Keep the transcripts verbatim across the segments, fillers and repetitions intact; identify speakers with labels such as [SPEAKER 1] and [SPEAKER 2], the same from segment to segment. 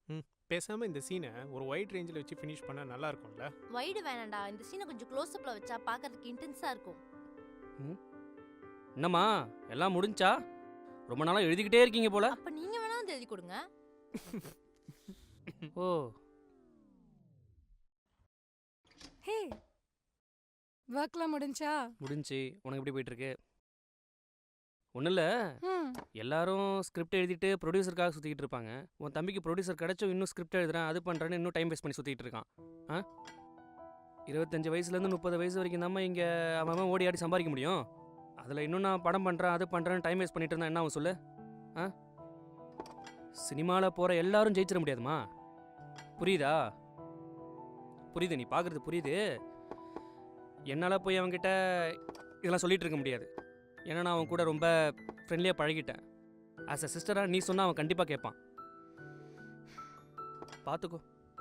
[SPEAKER 1] ம் பேசாம இந்த சீனை ஒரு வைட் ரேஞ்சில் வச்சு ஃபினிஷ் பண்ணா நல்லா இருக்கும்ல.
[SPEAKER 2] வைடு வேணாண்டா, இந்த சீனை கொஞ்சம் க்ளோஸ் அப்ல வச்சா பார்க்கிறதுக்கு இன்டென்ஸா இருக்கும்.
[SPEAKER 3] ம் என்னம்மா எல்லாம் முடிஞ்சா? ரொம்ப நாளா எழுதிக்கிட்டே இருக்கீங்க போல.
[SPEAKER 2] அப்ப நீங்க வேணா வந்து எழுதி கொடுங்க.
[SPEAKER 3] ஓ
[SPEAKER 4] ஹே, ஒர்க்லாம் முடிஞ்சா?
[SPEAKER 3] முடிஞ்சு. உனக்கு எப்படி போயிட்டு இருக்கு? ஒன்றும் இல்லை,
[SPEAKER 4] ம்
[SPEAKER 3] எல்லாரும் ஸ்கிரிப்ட் எழுதிட்டு ப்ரொடியூசருக்காக சுற்றிக்கிட்டு இருப்பாங்க. உன் தம்பிக்கு ப்ரொடியூசர் கிடச்சும் இன்னும் ஸ்கிரிப்ட் எழுதுறேன் அது பண்ணுறேன்னு இன்னும் டைம் வேஸ்ட் பண்ணி சுற்றிக்கிட்டு இருக்கான். ஆ இருபத்தஞ்சி வயசுலேருந்து முப்பது வயசு வரைக்கும் தான் இங்கே அவன் ஓடி ஆடி சம்பாதிக்க முடியும். அதில் இன்னும் நான் படம் பண்ணுறேன் அது பண்ணுறேன்னு டைம் வேஸ்ட் பண்ணிட்டு இருந்தா என்ன அவன் சொல்லு? ஆ சினிமாவில் போகிற எல்லாரும் ஜெயிச்சிட முடியாதுமா. புரியுதா? புரியுது, நீ பார்க்குறது புரியுது. என்னால் போய் அவன்கிட்ட இதெல்லாம் சொல்லிகிட்டு இருக்க முடியாது. ஏன்னா நான் அவன் கூட ரொம்ப ஃப்ரெண்ட்லியாக பழகிட்டேன். ஆஸ் அ சிஸ்டராக நீ சொன்னால் அவன் கண்டிப்பாக கேட்பான். பார்த்துக்கோ.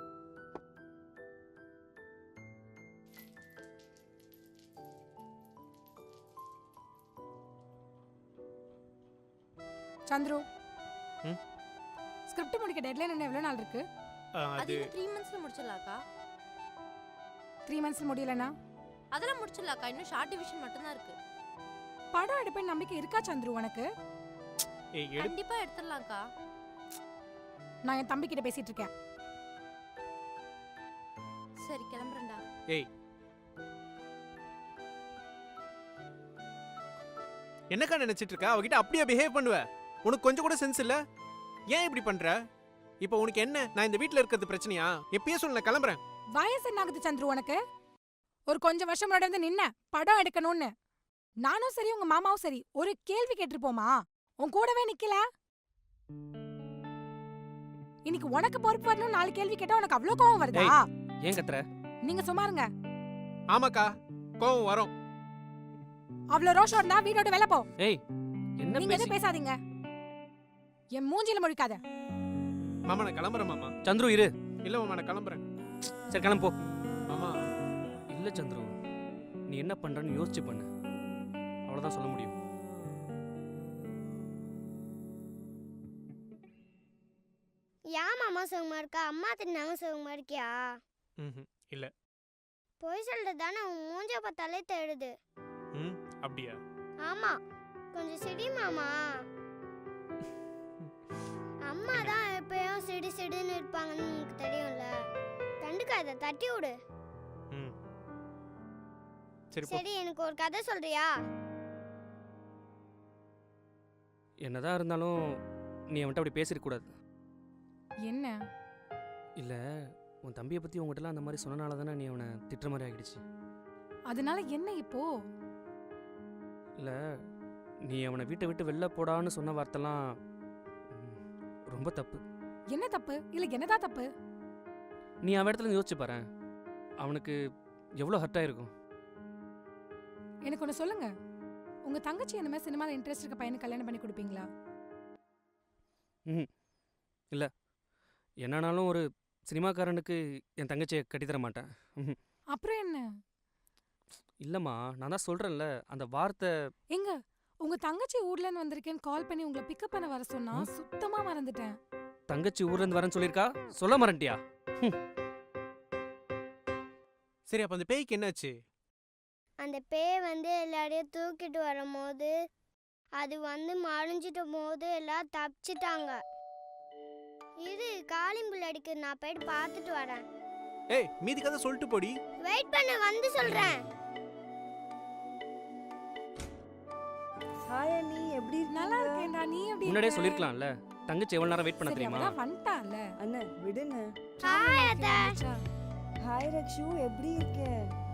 [SPEAKER 4] சந்துரு,
[SPEAKER 1] ம்?
[SPEAKER 4] ஸ்கிரிப்ட் முடிக்க டெட்லைன் என்ன எவ்வளோ நாள் இருக்கு?
[SPEAKER 1] ஆ,
[SPEAKER 2] அது
[SPEAKER 1] அது
[SPEAKER 2] இன்னும் த்ரீ மந்த்ஸ்ல முடிச்சிடலாக்கா.
[SPEAKER 4] த்ரீ மந்த்ஸ் முடியலனா
[SPEAKER 2] அதெல்லாம் முடிச்சிடலாக்கா, இன்னும் ஷார்ட் டிவிஷன் மட்டும்தான் இருக்கு.
[SPEAKER 4] படம் எடுப்பேன் நம்பிக்கை இருக்கா சந்துரு உனக்கு?
[SPEAKER 1] ஏய் எடு
[SPEAKER 2] கண்டிப்பா எடுத்துடலாம்க்கா.
[SPEAKER 4] நான் என் தம்பி கிட்ட பேசிட்டு இருக்கேன்.
[SPEAKER 2] சரி கிளம்புறேன்டா.
[SPEAKER 1] ஏய் என்னக்கா நினைச்சிட்டு இருக்க? அவகிட்ட அப்படியே பிஹேவ் பண்ணுவ? உனக்கு கொஞ்சம் கூட சென்ஸ் இல்ல? ஏன் இப்படி பண்ற? இப்போ உனக்கு என்ன, நான் இந்த வீட்ல இருக்கிறது பிரச்சனையா? எப்பயே சொல்ல நான் கிளம்புறேன்.
[SPEAKER 4] வயசு என்ன ஆகுது சந்துரு உனக்கு? ஒரு கொஞ்சம் வருஷம் முன்னாடி வந்து நின்ன படம் எடுக்கணும்னு. நானும் சரி உங்க மாமாவும் சரி ஒரு கேள்வி கேட்டிருப்போமா? உன் கூடவே நிக்கல. இன்னைக்கு உனக்கு பொறுப்பு வரணும் நாலு கேள்வி கேட்டா உனக்கு அவ்வளவு கோவம் வருதா?
[SPEAKER 3] ஏன் கத்துற?
[SPEAKER 4] நீங்க சும்மா இருங்க.
[SPEAKER 1] ஆமாக்கா கோவம் வரும்.
[SPEAKER 4] அவ்வளவு ரோஷம் இருந்தா வீடோட வெளில போ.
[SPEAKER 3] ஏய் என்ன
[SPEAKER 4] நீங்க
[SPEAKER 3] பேசி
[SPEAKER 4] எதுவும் பேசாதீங்க. என் மூஞ்சில முழிக்காத.
[SPEAKER 1] மாமா நான் கிளம்புறேன் மாமா.
[SPEAKER 3] சந்துரு இரு.
[SPEAKER 1] இல்ல மாமா நான் கிளம்புறேன்.
[SPEAKER 3] சரி கிளம்பு போ.
[SPEAKER 1] மாமா
[SPEAKER 3] இல்லை சந்துரு, நீ என்ன பண்ணுறன்னு யோசிச்சு பண்ணு. அவ்வளோதான் சொல்ல முடியும்.
[SPEAKER 5] ஏன் மாமா சுகமா இருக்கா? அம்மா தின்னாங்க சுகமா இருக்கியா?
[SPEAKER 1] ம் இல்ல.
[SPEAKER 5] பொய் சொல்றது தானே, உன் மூஞ்ச பார்த்தாலே தேடுது.
[SPEAKER 1] ம் அப்படியா?
[SPEAKER 5] ஆமா, கொஞ்சம் சிடி மாமா. அம்மா தான் எப்பயும் சிடி சிடின்னு இருப்பாங்கன்னு உனக்கு தெரியும்ல. கண்டுக்காத, தட்டி விடு.
[SPEAKER 1] ம் சரி போ.
[SPEAKER 5] சரி, எனக்கு ஒரு கதை சொல்றியா?
[SPEAKER 3] என்னதான் இருந்தாலும் நீ அவன்கிட்ட அப்படி பேசிடக்கூடாது.
[SPEAKER 4] என்ன?
[SPEAKER 3] இல்லை, உன் தம்பியை பற்றி உங்ககிட்டலாம் அந்த மாதிரி சொன்னனால தானே நீ அவனை திட்டுற மாதிரி ஆகிடுச்சு.
[SPEAKER 4] அதனால என்ன இப்போ?
[SPEAKER 3] இல்லை, நீ அவனை வீட்டை விட்டு வெளில போடான்னு சொன்ன வார்த்தைலாம் ம், ரொம்ப தப்பு.
[SPEAKER 4] என்ன தப்பு? இல்ல என்னதான் தப்பு?
[SPEAKER 3] நீ அவன் இடத்துல இருந்து யோசிச்சு பாரு, அவனுக்கு எவ்வளோ ஹர்ட் ஆயிருக்கும்.
[SPEAKER 4] எனக்கு ஒன்று சொல்லுங்க, உங்க தங்கச்சி இந்த மாதிரி சினிமாவில் இன்ட்ரெஸ்ட் இருக்க பையனை கல்யாணம் பண்ணி கொடுப்பீங்களா?
[SPEAKER 3] ம் இல்லை, என்னன்னாலும் ஒரு சினிமாக்காரனுக்கு என் தங்கச்சியை கட்டித்தர மாட்டேன். ம்
[SPEAKER 4] அப்புறம் என்ன?
[SPEAKER 3] இல்லைம்மா, நான் தான் சொல்கிறேன்ல, அந்த வார்த்தை.
[SPEAKER 4] எங்க உங்க தங்கச்சி ஊர்ல இருந்து வந்திருக்கேன்னு கால் பண்ணி உங்களை பிக்கப் பண்ண வர சொன்னா சுத்தமா மறந்துட்டேன்.
[SPEAKER 3] தங்கச்சி ஊர்லேருந்து வரேன்னு சொல்லியிருக்கா, சொல்ல மறந்துட்டியா?
[SPEAKER 1] சரி அப்ப அந்த பேய்க்கு என்னாச்சு?
[SPEAKER 5] அந்த பேய் வந்து எல்லாரையும் தூக்கிட்டு வரும்போது அது வந்து மறைஞ்சிட்ட போது எல்லாம் தப்பிச்சிட்டாங்க. இது காளிம்புல் அடிக்கு, நான் போயிட்டு பார்த்துட்டு வரேன்.
[SPEAKER 1] ஏய் மீதி கதை சொல்லிட்டு போடி.
[SPEAKER 5] வெயிட் பண்ண, வந்து சொல்றேன்.
[SPEAKER 6] ஹாய் அண்ணி, எப்படி இருக்கீங்க?
[SPEAKER 4] நல்லா இருக்கேன்டா, நீ எப்படி
[SPEAKER 3] முன்னாடியே
[SPEAKER 4] இருக்க?
[SPEAKER 3] சொல்லியிருக்கலாம்ல, தங்கச்சி எவ்வளோ நேரம் வெயிட் பண்ண
[SPEAKER 4] சரி,
[SPEAKER 3] தெரியுமா?
[SPEAKER 4] அவதான் வந்துட்டான்ல.
[SPEAKER 6] அண்ணா விடுங்க.
[SPEAKER 5] ஹாய் அத்தை.
[SPEAKER 4] மச்சா.
[SPEAKER 6] ஹாய் ரக்ஷு, எப்படி இருக்க?